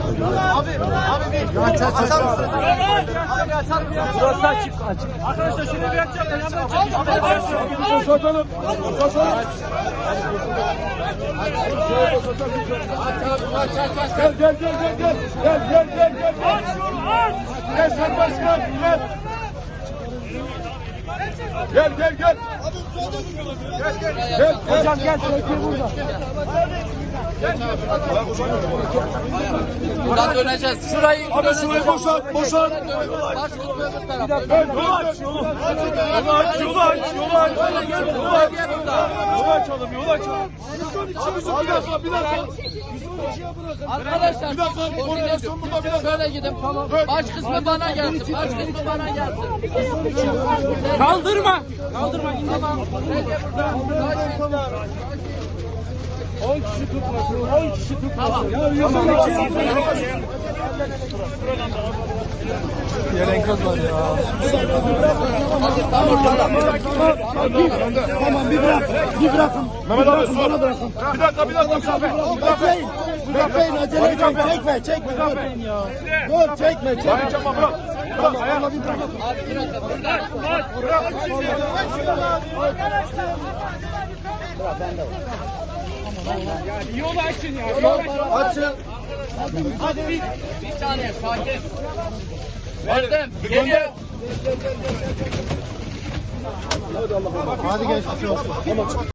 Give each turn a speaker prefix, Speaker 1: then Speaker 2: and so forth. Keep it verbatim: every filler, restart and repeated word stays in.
Speaker 1: Abi, abi bir aç aç aç. Abi açar mısın?
Speaker 2: Burası açık açık.
Speaker 1: Arkadaşlar şunu bir açacağım. Yanına
Speaker 2: Satalım. Satalım. Gel gel gel gel gel. Gel gel gel gel. Aç şunu aç. Gel sen başkan gel. Gel gel gel. Gel gel. Gel hocam gel. Sökür burada.
Speaker 3: Buradan döneceğiz. Şurayı
Speaker 2: Abi şurayı boşalt, boşalt.
Speaker 3: Baş kısmı öbür tarafa.
Speaker 2: Yolu aç, yolu. Yolu aç, yolu aç, yolu aç. Yolu aç. Yolu açalım, yolu açalım. Bir dakika, bir dakika.
Speaker 3: Arkadaşlar
Speaker 2: Bir dakika, koordinasyon burada, bir dakika.
Speaker 3: şöyle gidin. Tamam. Baş kısmı bana gelsin. Baş kısmı bana gelsin.
Speaker 2: Kaldırma.
Speaker 3: Kaldırma. Tamam. Recep burada.
Speaker 2: on kişi tutmasın, on kişi tutmasın. Ya yüzün içi. Yer enkaz var ya.
Speaker 4: Tamam bir bırak, bir bırakın.
Speaker 2: Mehmet abi sor. Bir dakika, bir dakika, bir dakika.
Speaker 4: Bekleyin, bekleyin, acele etmeyin. Çekme, çekme. Dur, dur çekme, çekme.
Speaker 2: Bırak çabuk, bırak. Bırak, ayağına bir bırak.
Speaker 3: Yolu açın ya. Yolu
Speaker 4: Açın.
Speaker 3: Hadi bir, bir saniye sakin. Verdim. Geliyor.
Speaker 4: Hadi gençler.